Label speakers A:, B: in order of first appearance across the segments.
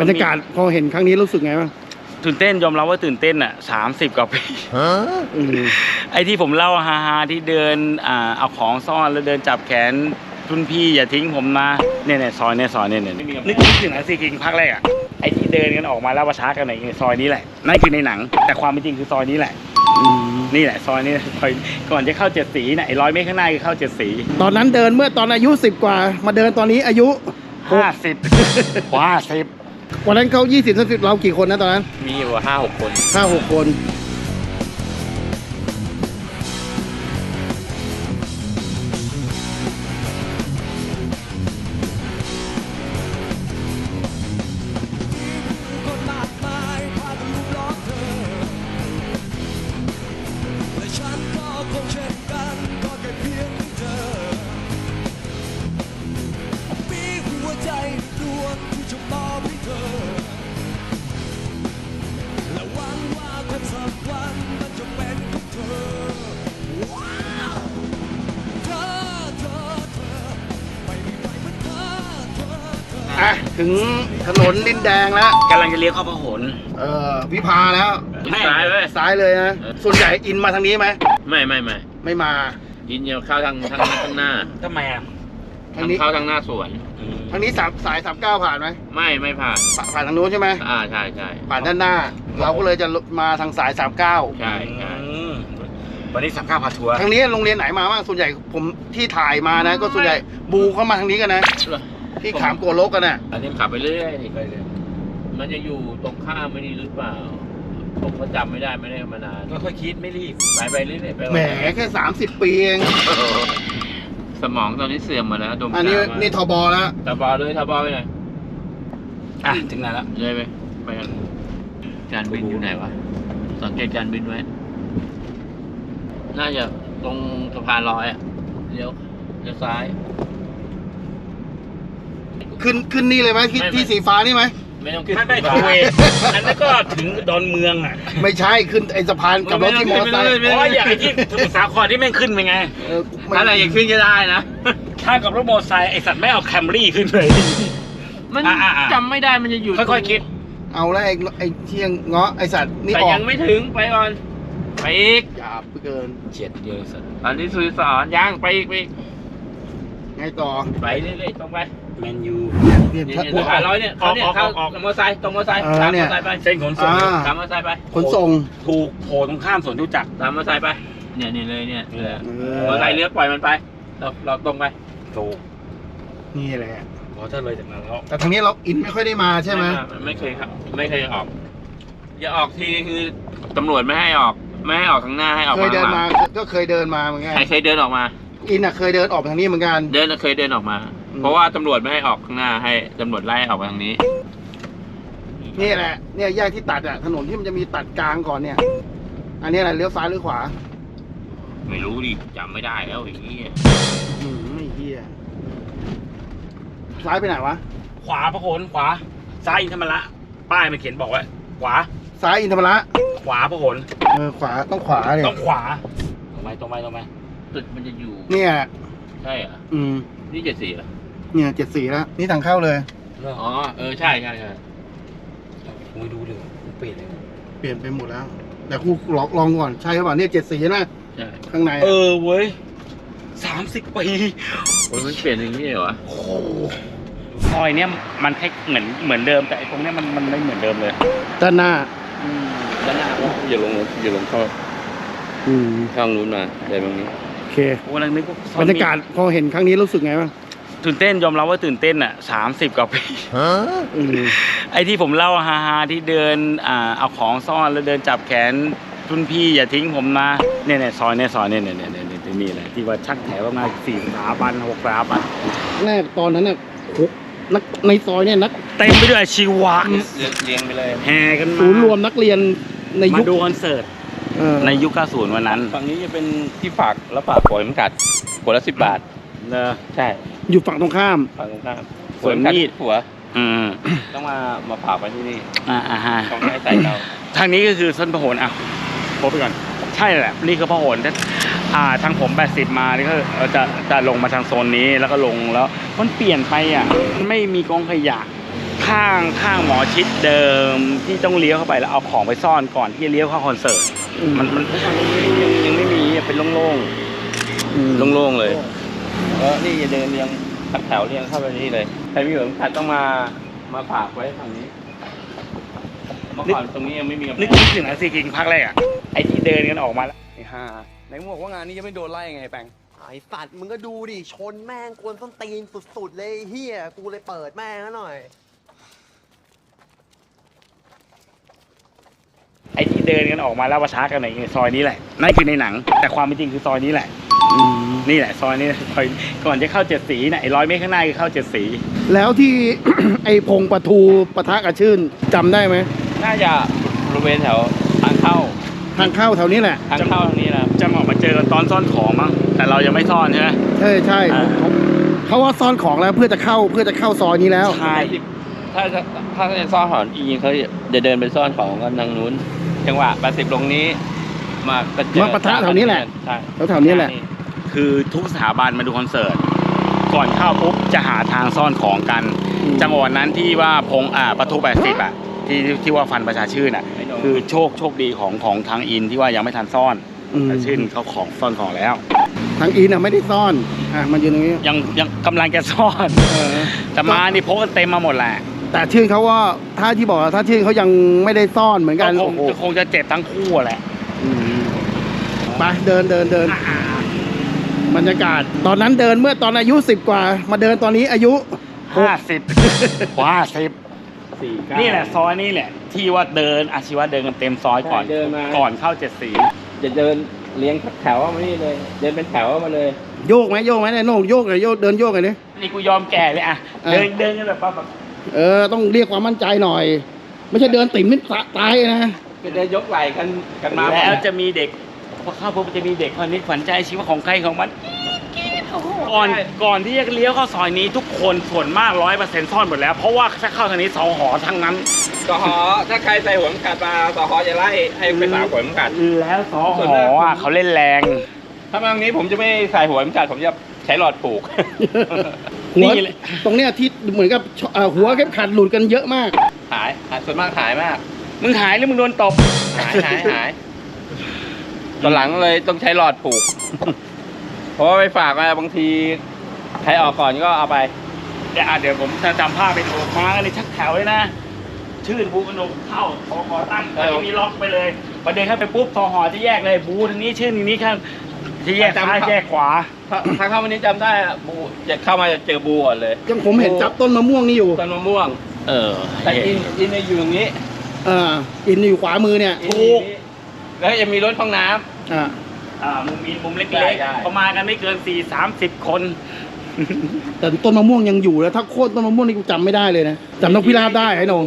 A: บรรยากาศพอเห็นครั้งนี้รู้สึกไงบ้าง
B: ตื่นเต้นยอมรับว่าตื่นเต้นอ่ะ30 กว่าปีไอ้ที่ผมเล่าฮาๆที่เดินเอาของซ่อนแล้วเดินจับแขนรุ่นพี่อย่าทิ้งผมนะเนี่ยซอยเนี่ยนึกถึงซีคิงภาคแรกอ่ะไอ้ที่เดินกันออกมาแล้วประชากันในซอยนี้แหละนั่นคือในหนังแต่ความเป็นจริงคือซอยนี้แหละนี่แหละซอยนี้ซอยก่อนจะเข้า7 สีน่ะไอ้100 เมตรข้างหน้าคือเข้า7 สี
A: ตอนนั้นเดินเมื่อตอนอายุ10 กว่ามาเดินตอนนี้อายุ
B: 50
A: วันนั้นเขา20-30เรากี่คนนะตอนนั้น
B: มีอยู่5-6 คน
A: 5-6 คนถึงถนนดินแดงแล้ว
B: กำลังจะเลี้ยวเข้าพหล
A: วิภาแล้วซ้ายเลยนะส่วนใหญ่อินมาทางนี้ไหม
C: ไม่
A: มา
C: อินเข้าทางหน้า
B: ทำไมอ่ะ
C: ทางนี้เข้าทางหน้าสวน
A: ทางนี้สาย39ผ่านไหม
C: ไม่ผ่าน
A: ทางนู้นใช่ไหม
C: ใช่
A: ผ่านด้านหน้าเราก็เลยจะมาทางสาย39
C: ใช่
B: วันนี้39พาทัวร์
A: ทางนี้โรงเรียนไหนมาบ้างส่วนใหญ่ผมที่ถ่ายมานะก็ส่วนใหญ่บูเข้ามาทางนี้กันนะที่ขามโกโลกกันน่ะ
C: อันนี้ขับไปเรื่อยมันจะอยู่ตรงข้ามไม่ดีหรือเปล่าผมก็จำไม่ได้มานาน
B: ก็ค่อยคิดไม่รีบ
C: ไปเรื่อย
A: แหมแค่30 ปีเอง
C: สมองตอนนี้เสื่อมมาแล้ว
A: อันนี้นี่ทบแล้ว
C: ทบไปไหน
B: ถึงไหนแล้ว
C: เลยไปกันการบินอยู่ไหนวะสังเกตการบินไว้น่าจะตรงสะพานลอยเลี้ยวซ้าย
A: ขึ้นนี่เลยไหมที่สีฟ้านี่ไหม
C: ไม่ต้องขึ้น
B: ไม่ทเวอันนั้นก็ถึงดอนเมืองอ่ะ
A: ไม่ใช่ขึ้นไอ้สะพานกับรถที่มอเตอร์ไซค์
B: เพราะอย่างที่สมุทรสาครที่แม่งขึ้นไปไง
C: อะไรอย่างขึ้นก็ได้นะ
B: ถ้ากับรถมอเตอร์ไซค์ไอสัตว์ไม่เอาแคมรี่ขึ้นเลย
C: มันจำไม่ได้มันจะอยู่
B: ค่อยๆคิด
A: เอาแล้วไอ้เที่ยงเงาะไอสัตว์นี่
C: ออกยังไม่ถึงไปก่อนไปอีก
A: หยาบเกิน
B: เฉียดเดียวสัตว์
C: อันนี้สุริสอนย่างไปอีก
A: ไงต่อ
C: ไปเรื่อยๆตรงไป
B: แมนยู
C: เนี่ยร้อยเนี่ยเขาเนี่ยเข้ามอเตอร์ไซค์ตรงมอเตอร์ไซค์ตามมอเตอร์ไซค์ไป
B: เส้นขนส่ง
C: ตามมอเตอร์ไซค์ไป
A: ขนส่ง
B: ถูกโผล่ตรงข้ามสวนทุจักร
C: ตามมอเตอร์ไซค์ไปเนี่ยเลยเนี่ยมอเตอร์ไซค์เลี้ยวปล่อยมันไปเราตรงไป
B: ถูก
A: นี่แหละ
B: พอถ้าเลยจากนั้นแล้ว
A: แต่ทางนี้เราอินไม่ค่อยได้มาใช่ไหม
C: ไม่เคยครับไม่เคยออกอย่าออกทีคือตำรวจไม่ให้ออกทางหน้าให้ออก
A: เคยเดินมาก็เคยเดินมาเหมือนกัน
C: เคยเดินออกมา
A: อินเคยเดินออกทางนี้เหมือนกัน
C: เคยเดินออกมาเพราะว่าตำรวจไม่ให้ออกข้างหน้าให้ตำรวจไล่ออกมาทางนี้
A: นี่แหละเนี่ยแยกที่ตัดถนนที่มันจะมีตัดกลางก่อนเนี่ยอันนี้อะไรเลี้ยวซ้ายหรือขวา
C: ไม่รู้ดิจำไม่ได้แล้วอย่างนี้
A: ไม่เหี้ยซ้ายไปไหนวะ
B: ขวาพหลขวาซ้ายอินธรรมระป้ายมันเขียนบอกไว้ขวา
A: ซ้ายอินธรรมระ
B: ขวาพหล
A: ขวาต้องขวาเลย
B: ต้องขวาตรงไป
C: ตึกมันจะอยู่
A: เนี่ย
C: ใช่เหรอนี่74เหรอ
A: เนี่ย74แล้วนี่ทางเข้าเลย
C: อ๋อใช่
B: ไม่ดูเลยเปลี่ยน
A: ไปหมดแล้วแต่ครูลองก่อนใช่หรือเปล่าเนี่ย74นะ
C: ใช่
A: ข้างใน
B: เว้ย30 ปี
C: มันเปลี่ยนอย่างนี้เหรอ
B: โอ้ซอยเนี้ยมันแค่เหมือนเดิมแต่ตรงเนี้ยมันไม่เหมือนเดิมเลย
A: ด้านหน้า
C: อย่าลงเข้าข้างนู้นมาอะไรแบบนี้
A: โอเค
B: วันนึก
A: บรรยากาศพอเห็นครั้งนี้รู้สึกไงบ้าง
B: ตื่นเต้นยอมรับว่าตื่นเต้น30 กว่าปีไอ้ที่ผมเล่าฮาๆที่เดินเอาของซ่อนแล้วเดินจับแขนรุ่นพี่อย่าทิ้งผมนะเนี่ยซอยเนี่ยนี่แหละที่ว่าชักแถวประมาณ4 สถาบัน6 สถาบัน
A: แรกตอนนั้นนักในซอยเนี่ยนัก
B: เต็มไปด้วยชีวะ
C: เรียงไปเลย
B: แห่กันมา
A: ศูนย์รวมนักเรียนในยุค
B: ดูคอนเสิร์ตในยุค90วันนั้น
C: ฝั่งนี้จะเป็นที่ฝากแล้วฝากปล่อยมันกัดขวดละ10 บาทใช่
A: อยู่ฝั่งตรงข้าม
C: ส่วนมีดหัวต้องมาฝากไว้ที่นี่ต้องให้ใส่เรา
B: ทางนี้ก็คือส้นพหลพบไปก่อนใช่แหละนี่คือพหลทางผม80มานี่ก็จะลงมาทางโซนนี้แล้วก็ลงแล้วมันเปลี่ยนไปมันไม่มีกองขยะข้างหมอชิดเดิมที่ต้องเลี้ยวเข้าไปแล้วเอาของไปซ่อนก่อนที่จะเลี้ยวเข้าคอนเสิร์ตมันยังไม่มีเป็นโล่งๆโล่งๆเลยแล้วนี่จะเดินเรียงแถวเรียงเข้าไปนี่เลยใครมีแบบขัดต้องมาฝากไว้ทางนี้เมื่อก่อนตรงนี้ยังไม่มีนึกถึงนะซีกิงพักแรกอ่ะไอ้ที่เดินกันออกมาแล้วไอ้ห่าไหนมึงบอกว่างานนี้จะไม่โดนไล่ไงแปง
D: ไอ้สัตว์มึงก็ดูดิชนแม่งกวนส้นตีนสุดๆเลยเฮียกูเลยเปิดแม่งหน่อย
B: ไอ้ที่เดินกันออกมาแล้วประชากันในซอยนี้แหละนั่นคือในหนังแต่ความเป็นจริงคือซอยนี้แหละนี่แหละซอยนี้ซอยก่อนจะเข้า7 สีนะไอ้100 เมตรข้างหน้าคือเข้า7 สี
A: แล้วที่ ไอ้พงปะทูปะทะกับชื่นจำได้ไหม
C: น่าจะบริเวณแถวทางเข้า
A: ทางเข้าแถวนี้แหละ
C: ทางเข้าทางนี้นะ
B: จะออกมาเจอกันตอนซ่อนของมั้งแต่เรายังไม่ซ่อนใช่ไหม
A: ใช่
B: อ่า
A: เขาว่าซ่อนของแล้วเพื่อจะเข้าซอยนี้แล้ว
B: ใช่
C: ถ้าจะซ่อนของจริงๆเขาจะเดินไปซ่อนของกันทางนู้นจังหวะ80ลงนี้มา
A: ปะทะแถวนี้แหละ
C: ใช่
A: แถวนี้แหละ
B: คือทุกสถาบันมาดูคอนเสิร์ตก่อนเข้าปุ๊บจะหาทางซ่อนของกัน จังหวะนั้นที่ว่าพงประตู80ที่ว่าฟันประชาชื่นคือโชคดีของทางอินที่ว่ายังไม่ทันซ่อนแต่ชื่นเขาของซ่อนของแล้ว
A: ทางอินไม่ได้ซ่อนมันอยู่ตรงนี้
B: ยังกำลังจะซ่อนแต่มานี่พกกันเต็มมาหมดแหละ
A: แต่ชื่นเขาว่าถ้าที่บอกถ้าชื่นเขายังไม่ได้ซ่อนเหมือนกัน
B: คงจะเจ็บทั้งคู่แหละ
A: ไปเดินบรรยากาศตอนนั้นเดินเมื่อตอนอายุ10 กว่ามาเดินตอนนี้อายุ
B: 50นี่แหละซอยนี่แหละที่ว่าเดินอาชีวะเดินกันเต็มซอยก่อนเข้า7 สี
C: จะเดินเลี้ยงแถวมานี่เลยเดินเป็นแถวมาเลย
A: โยกไหมเนี่ยโน่งโยกเลยเดินโยกเลยนี่
B: นี่กูยอมแก่เลยอ่ะเดินกันแบบ
A: ต้องเรียกความมั่นใจหน่อย ไม่ใช่เดินติ่มไม่ตายนะ
C: จะเดินยกไหล่กันมา
B: แล้วจะมีเด็กพอเข้าพบจะมีเด็กคนนี้ฝันใจชีวิตของใครของมันก่อนที่จะเลี้ยวเข้าซอยนี้ทุกคนส่วนมาก 100% ซ่อนหมดแล้วเพราะว่าถ้าเข้าทางนี้2 หอทั้งนั้น
C: 2 หอถ้าใครใส่หัวมันกัดมา2 หอจะไล่ให้ไปสาวหัวมันกัด
B: แล้ว2 หอเขาเล่นแรง
C: ถ้ามาตรงนี้ผมจะไม่ใส่หัวมันกัดผมจะใช้หลอดผูก
A: หัวตรงเนี้ยที่เหมือนกับหัวเข็มขัดหลุดกันเยอะมาก
C: หายส่วนมากหายมาก
B: มึงหายหรือมึงโดนตบ
C: หายตอนหลังเลยต้องใช้หลอดผูกเพราะว่าไปฝากมาบางทีใครออกก่อนก็เอาไป
B: เดี๋ยวผมจะจำภาพไปดูมากันเลยชักแถวเลยนะชื่นบูกระนกเข้าทอตั้งไม่มีล็อกไปเลยประเด็นเข้าไปปุ๊บทอหอจะแยกเลยบูทางนี้ชื่นทางนี้ข้างที่แยกซ้ายแยกขวา
C: ทางเข้าวันนี้จำได้บูจะเข้ามาจะเจอบูก่อนเลย
A: ยังผมเห็นจับต้นมะม่วงนี่อยู่
C: ต้นมะม่วงแต่อินอยู่ตรงนี้
A: อินอยู่ขวามือเนี่ย
B: ถูก
C: แล้วจะมีรถห้องน้ำ
B: มุมเล็กๆประมาณกันไม่เกิน30 คน
A: แต่ต้นมะม่วงยังอยู่แล้วถ้าโค่นต้นมะม่วงนี่กูจำไม่ได้เลยนะจำนกพิราบได้ไอ้นง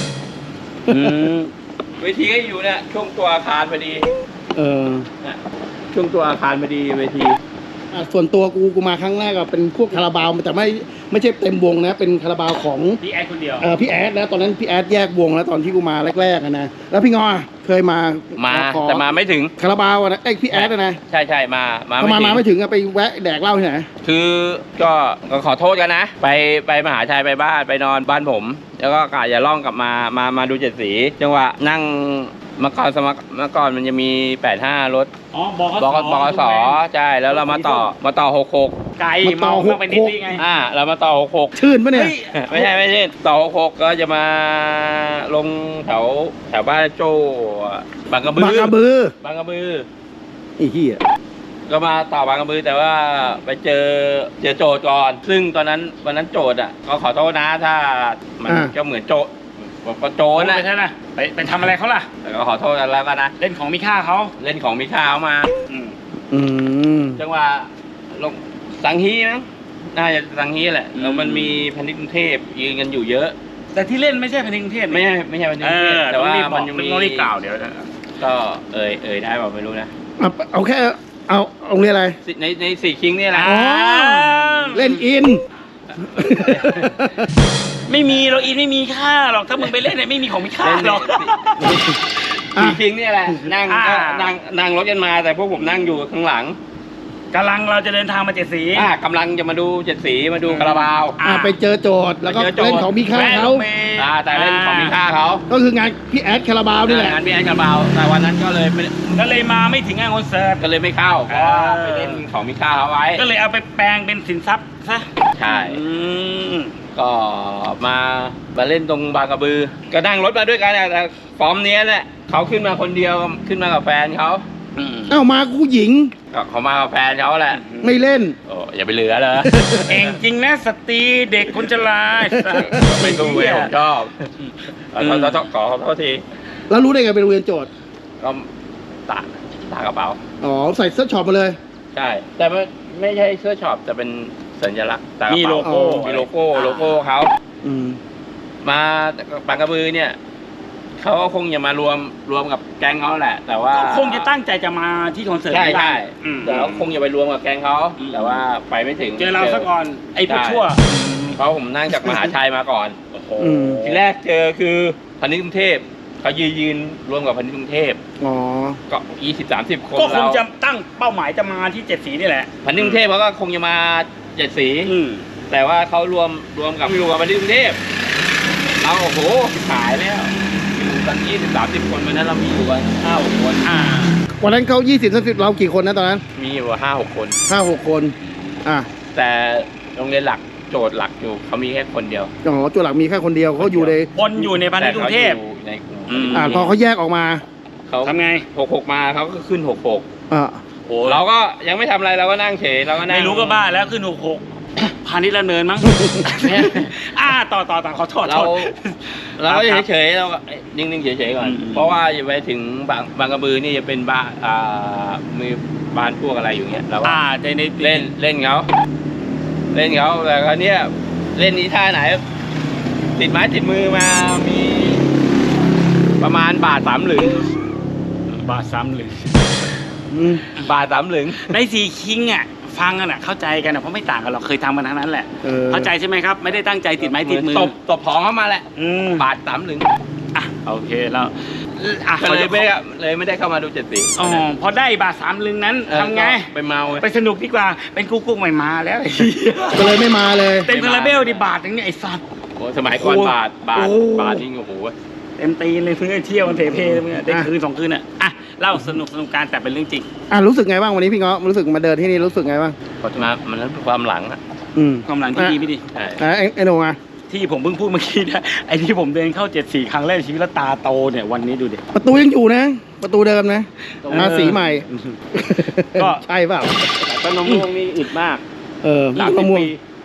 C: เวทีก็อยู่เนี่ยช่วงตัวอาคารพอดีช่วงตัวอาคารพอดีเวที
A: ส่วนตัวกูมาครั้งแรกก็เป็นพวกคาราบาวแต่ไม่ใช่เต็มวงนะเป็นคาราบาวของ
B: พี่แอดคนเดียว
A: พี่แอดแล้วตอนนั้นพี่แอดแยกวงแล้วตอนที่กูมาแรกๆนะแล้วพี่งอเคยมา
C: แต่มาไม่ถึง
A: คาราบาวนะพี่แอดนะ
C: ใช่มา
A: ไม่ถึงไปแวะแดกเหล้าที่ไหน
C: คือก็ขอโทษกันนะไปมหาชัยไปบ้านไปนอนบ้านผมแล้วก็กะอย่าล่องกลับมาดู7 สีจังหวะนั่งเมื่อก่อนมันจะมี85รถบกสใช่แล้วเรามาต่อ66
B: ไกลมาไปนิดนึงไง
C: เรามาต่อ66
A: ชื่นปะเนี่ย
C: ไม่ใช่ต่อ66ก็จะมาลงแถวบ้านโจบางกระบือ
A: ไอ้เหี้ย
C: ก็มาต่อบางกระบือแต่ว่าไปเจอโจทย์ก่อนซึ่งวันนั้นโจทย์ก็ขอโทษนะถ้ามันก็เหมือนโจทย์โจรนะ
B: ใช่ไหมไปทำอะไรเขาล่ะ
C: แต่ก็ขอโทษกันแล้วกันนะ
B: เล่นของมีค่าเขา
C: เล่นของมีค่าเขามาจังหวะลงสังฮีมั้งน่าจะสังฮีแหละแล้วมันมีพันธุ์กรุงเทพยืนกันอยู่เยอะ
B: แต่ที่เล่นไม่ใช่พันธุ์กรุงเทพ
C: ไม่ใช่พันธุ์กรุงเทพแต่ว่ามันยังมี
B: ต้องรีบกล่าวเดี๋ยว
C: ก็เอ่ยได้เปล่าไม่รู้นะ
A: เอาแค่เอาเรียกอะไร
C: ใน4 คิงนี่แหละ
A: เล่นอิน
B: ไม่มีเราอินไม่มีค่าหรอกถ้ามึงไปเล่นเนี่ยไม่มีของมีค่าหรอก
C: 4 คิงนี่แหละนั่งรถกันมาแต่พวกผมนั่งอยู่ข้างหลัง
B: กำลังเราจะเดินทางมาเจ็ดสี
C: กำลังจะมาดูเจ็ดสีมาดูคาราบาว
A: ไปเจอโจทย์แล้วก็
C: ไปเจอโจทย์
A: เล่นของมีค่าเขา
C: แต่เล่นของมีค่าเขา
A: ก็คืองานพี่แอดคาราบาวนี่แหละ
C: งานพี่แอนคาราบาวแต่วันนั้นก็เลยไม่
B: ก็เลยมาไม่ถึงงานคอนเสิร์ต
C: ก็เลยไม่เข้าเพราะว่าไปเล่นของมีค่าเขาไว้
B: ก็เลยเอาไปแปลงเป็นสินทรัพย์ซะ
C: ใช่
B: อืม
C: ก็มาเล่นตรงบางกระบือ ก็นั่งรถมาด้วยกันแต่ฟอร์มเนี้ยแหละเขาขึ้นมาคนเดียวขึ้นมากับแฟนเขา
A: เอ้ามากูหญิง
C: ก็เขามากับแฟนเขาแหละ
A: ไม่เล่น
C: โอ้อย่าไปเหลือเลย
B: เก่งจริงนะสตรีเด็กคนจะลาย
C: ไม่ตู้เวลชอบขอโทษที
A: แล้วรู้ได้ไงเป็นโรงเรียนโจทย์
C: ก็ตากกระเป๋า
A: อ๋อใส่เสื้อช็อปมาเลย
C: ใช่ แต่ไม่ใช่เสื้อช็อปแต่เป็นสัญลักษณ์ตากระ
B: มี
C: เป๋า
B: โลโก้
C: มีโลโก้เขา
A: อืม
C: มาบางกระบือเนี่ยเขาก็คงจะมารวมกับแก๊งเขาแหละ แต่ว่า
B: ก็คงจะตั้งใจจะมาที่คอนเสิร์ต
C: ใช่
B: นี้
C: ใช่
B: อืม
C: แต่เขาคงจะไปรวมกับแก๊งเขา
B: อืม
C: แต่ว่าไปไม่ถึง
B: เจอเราซะก่อนไอ้พวกชั่ว
C: เพราะผมนั่งจากมหาชัยมาก่อน
B: โอ้โห
A: อืม
C: ทีแรกเจอคือพาณิชย์กรุงเทพเขายืนรวมกับพาณิชย์กรุงเทพ
A: อ๋อ
C: ก็20-30 คน
B: ก็คง
C: เรา
B: จะตั้งเป้าหมายจะมาที่เจ็ดสีนี่แหละ
C: พาณิชย์กรุงเทพเขาก็คงจะมาเจ็ดสี
B: อืม
C: แต่ว่าเขารวมกับพาณิชย์กรุงเทพเราโอ้โหขายแล้วอยู่กัน20-30 คนวันนั้นเรามีอยู่กัน5-6 คน
A: วันนั้นเขา20-30เรากี่คนนะตอนนั้น
C: มีอยู่5-6 คน
A: 5-6 คน อ่ะ
C: แต่โรงเรียนหลักโจทย์หลักอยู่เขามีแค่คนเดียว
A: อ๋อตัวหลักมีแค่คนเดียวเขาอยู่ใน
B: คนอยู่ในพันธุ์กรุงเทพ
C: แต่ขาอยู่ในกรุง
B: อืม
A: พอเขาแยกออกมา
C: เขา
B: ทำไง
C: 66มาเขาก็ขึ้น66
A: อ่ะ
B: โอ้
C: เราก็ยังไม่ทำอะไรเราก็นั่งเฉยเราก็นั่ง
B: ไม่รู้ก็บ้าแล้วขึ้น66พาณิชย์ละเนินมั้ง ต่อขอโทษ
C: เราก็เฉยๆเราก็นิ่งๆเฉยๆก่อน
B: อืม
C: เพราะว่าอย่าไปถึงบางกระบือนี่จะเป็นบ้านมีบ้านพวกอะไรอยู่เงี้ยเราก็
B: ใน
C: เล่นเขาแต่คราวเนี้ยเล่นนี้ท่าไหน ติดไม้ติดมือมามีประมาณบาท3 หลึง
B: บาทซ้ำหรือ
A: อืม
C: บาท3 หลึง
B: ในสีคิงอ่ะฟังกันอ่ะเข้าใจกันอ่ะเพราะไม่ต่างกันหรอกเคยทำกันทั้งนั้นแหละ เข้าใจใช่ไหมครับ ไม่ได้ตั้งใจติดไม้ติดมือ
C: ตบของเข้ามาแหละ บาท3 หลึง
B: อ่ะโอเคแล้วอ่ะ
C: ก็เลยไม่ได้เข้ามาดูเจ็ดสี
B: อ๋อพอได้บาท3 ลึงนั้นทำไง
C: ไปเมา
B: ไปสนุกดีกว่าเป็นกุ๊กใหม่มาแล้ว
A: ก็เลยไม่มาเลย
B: เต็มคาราเบลดิบาทนึงเนี่ยไอ้สัตว์
C: โอ้สมัยก่อนบาท
B: โอ้
C: นี่โอ้โห
B: เต็มตีนเลยเพื่อเที่ยวมันเทเพเพื่อได้คืน2 คืนอ่ะอ่ะเล่าสนุกการแต่เป็นเรื่องจริง
A: รู้สึกไงบ้างวันนี้พี่เงาะรู้สึกมาเดินที่นี่รู้สึกไงบ้าง
C: พอมามันนั้นความหลังอะ
A: อืม
B: ความหลังที่ดีไม่ดี
C: ใช่
A: ไอ้โหนงอ่ะ
B: ที่ผมเพิ่งพูดเมื่อกี้นะไอ้ที่ผมเดินเข้า7-4 ครั้งแรกในชีวิตแล้วตาโตเนี่ยวันนี้ดูดิ
A: ประตูยังอยู่นะ ประตูเดิมนะสีใหม่
B: ก็
A: ใช่เปล่า
C: ต้นมะม่วงนี่อึดมาก
A: มะม่วง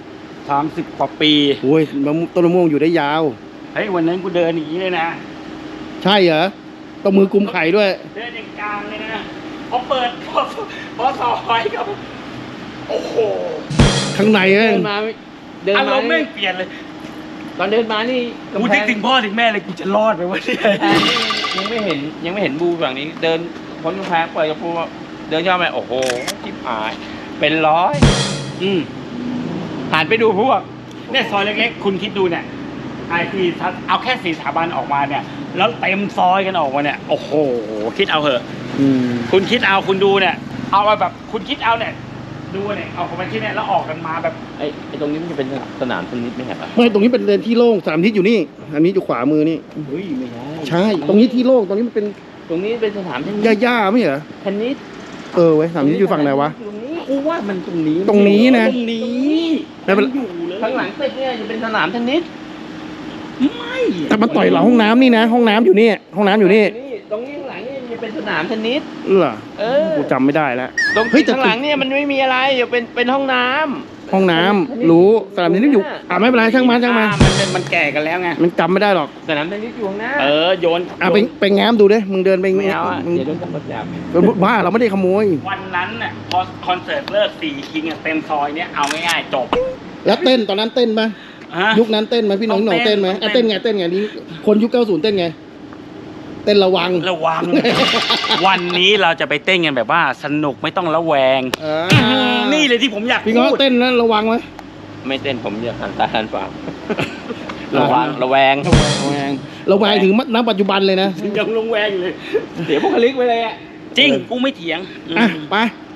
B: 30 กว่าปี
A: โอ้ยต้นมะม่วงอยู่ได้ยาว
B: เฮ้ยวันนั้นกูเดินอย่างนี้เลยนะ
A: ใช่เหรอต้องมือกุมไข่ด้วย
B: เดินอย่างกลางเลยนะพอเปิดพอซอยกับโอ้โห
A: ข้างในเอ้ย
B: อารมณ์แม่งเปลี่ยนเลย
C: ตอนเดินมานี่
B: กูนึกถึงพ่อถึงแม่เลยกูจะรอดไปวะเนี่ย
C: ยังไม่เห็นบูฝั่งนี้ เดินพ้นกำแพงเปิดกระโปรงเดินย่อไปโอ้โหชิบหายเป็นร้อย
B: อืม
C: หันไปดูพวก
B: เนี่ยซอยเล็กๆ คุณคิดดูเนี่ยไอ้ที่เอาแค่4 สถาบันออกมาเนี่ย แล้วเต็มซอยกันออกมาเนี่ย โอ้โห คิดเอาเหอะ
A: อืม
B: คุณคิดเอาคุณดูเนี่ย เอาไปแบบคุณคิดเอาเนี่ย ดูเนี่ยเอาไปที่เนี่ยแล้วออกกันมาแบบ
C: ไอ้ตรงนี้มันจะเป็นสนามเทนนิสไหมครับ
A: ไม่ตรงนี้เป็นเลนที่โล่งสนามทิศอยู่นี่ อันนี้อยู่ขวามือนี่
C: เฮ้ยไม่ใช่
A: ใช่ ตรงนี้ที่โล่งตรงนี้มันเป็น
C: ตรงนี้เป็นสนามเทนนิส
A: หญ้าๆไม่เหรอ
C: เทนนิส
A: เว้ยสนามทิศอยู่ฝั่งไหนวะ
C: ตรงนี้กูว่ามันตรงนี้
A: ตรงนี้นะ
C: ตรงนี้
A: ไม่เป็น
B: อยู่เลย
C: ข้างหลังตึกเนี่ยจะเป็นสนามเทนนิส
B: ไม่
A: แต่มาต่อยเราห้องน้ำนี่นะ ห้องน้ำอยู่นี่ ห้องน้ำอยู่นี่
C: ตรงนี้ข้างหลังนี่จะเป็นสนามเทนนิส
A: เหรอ
C: เออ
A: กูจำไม่ได้แล้ว
C: ตรง
A: เฮ้ยแต่
C: ข้างหลังเนี่ยมันไม่มีอะไรเดี๋ยวเป็นห้องน้ำ
A: ห้องน้ำรู้สนามทิศอยู่ไม่เป็นไรช่างมัน
B: มันแก่กันแล้วไง
A: มันจำไม่ได้หรอก
C: สนามเทนนิสอยู่ข้างหน้า
B: โยน
A: ไปแง้มดูดิมึงเดินไป
C: ไม่เอาอ่ะ
A: มึง
C: เดี๋ยวโดนตำรวจจับ
A: บ้าเราไม่ได้ขโมย
B: วันนั้นน่ะพอคอนเสิร์ตเลิก4 คิงเต็มซอยเนี่ยเอาง่ายๆจบ
A: แล้วเต้นตอนนั้นเต้นไหม
B: ฮะ
A: ยุคนั้นเต้นไหมพี่น้อง
B: ต้องเต้น
A: เต้นไหม
B: ต้องเต้น
A: เต้นไงนี่คนยุค90เต้นไง เต้นระวัง
B: ระวัง วันนี้เราจะไปเต้นกันแบบว่าสนุกไม่ต้องระแวง นี่เลยที่ผมอยาก
A: พี่ง้อ
B: พูด
A: เต้นนั้นระวังไหม
C: ไม่เต้นผมจะหันตาหันปาก
A: ระวัง
C: ระแวง
A: ระแวงถึงณปัจจุบันเลยนะ
B: ยังระแวงอยู่เลย
C: เสียบุคลิกไปเลยอ่ะ
B: จริงกูไม่เถียง
A: อ่ะไป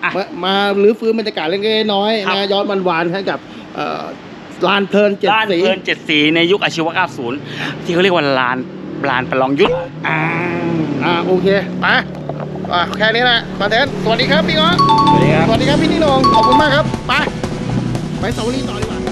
B: อ่ะ
A: มารื้อฟื้นบรรยากาศเล็กๆน้อยๆ
B: ครับ
A: นะย้อนหวานๆให้กับลานเพลินเจ็ด
B: ลาน
A: สี
B: เพลิน7 สีในยุคอาชีวะ90ที่เขาเรียกว่าลานประลองยุทธ
A: โอเคไปแค่นี้แหละคอนเทนต์สวัสดีครับพี่ง้อ
C: สวัสดีครับ
A: สวัสดีครับพี่นิ่งนงขอบคุณมากครับไปสาวรีต่อดีกว่า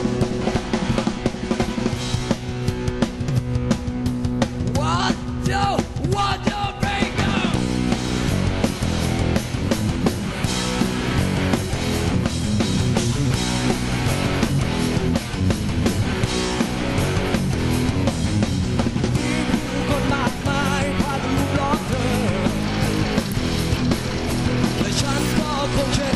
E: คนมากมายพากันลุมล้อมเธอและฉันก็คงเช่น